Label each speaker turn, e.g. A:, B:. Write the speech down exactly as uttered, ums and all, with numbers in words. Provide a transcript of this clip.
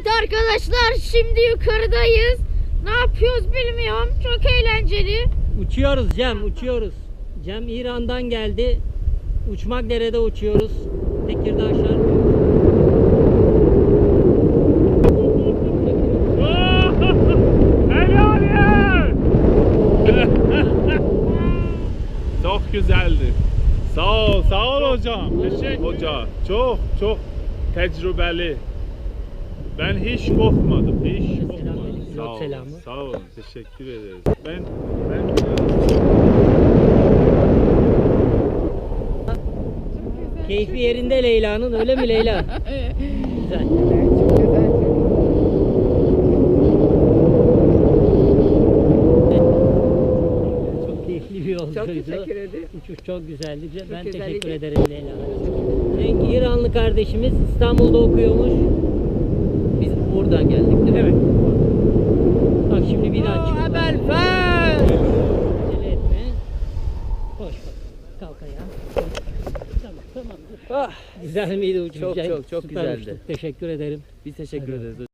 A: Evet arkadaşlar, şimdi yukarıdayız. Ne yapıyoruz bilmiyorum. Çok eğlenceli.
B: Uçuyoruz Cem, uçuyoruz. Cem İran'dan geldi. Uçmak derede uçuyoruz. Tekirdağ Şarkı.
C: Helal ya! Çok güzeldi. Sağ ol, sağ ol hocam. Teşekkür Hoca çok çok tecrübeli. Ben hiç korkmadım, hiç korkmadım. Sağ olun,
B: selamı.
C: sağ olun, teşekkür ederiz. Ben, ben
B: Keyfi yerinde Leyla'nın, öyle mi Leyla? Güzel. Çok keyifli bir yolcuydu.
D: Çok teşekkür ederim.
B: Uçuş çok güzeldi. Ben
D: güzeldi.
B: teşekkür ederim Leyla. Cenk İranlı kardeşimiz İstanbul'da okuyormuş.
D: Biz buradan geldik değil mi?
B: Evet. Bak şimdi bir daha çık.
D: Haber ver.
B: Acele etme. Koş bak. Kalk ayağa. Tamam tamam.
D: Ah,
B: Güzel miydi uçuş?
D: Çok, çok, çok
B: Süper
D: güzeldi.
B: uçtuk. Teşekkür ederim.
D: biz teşekkür
B: Hadi.
D: ederiz.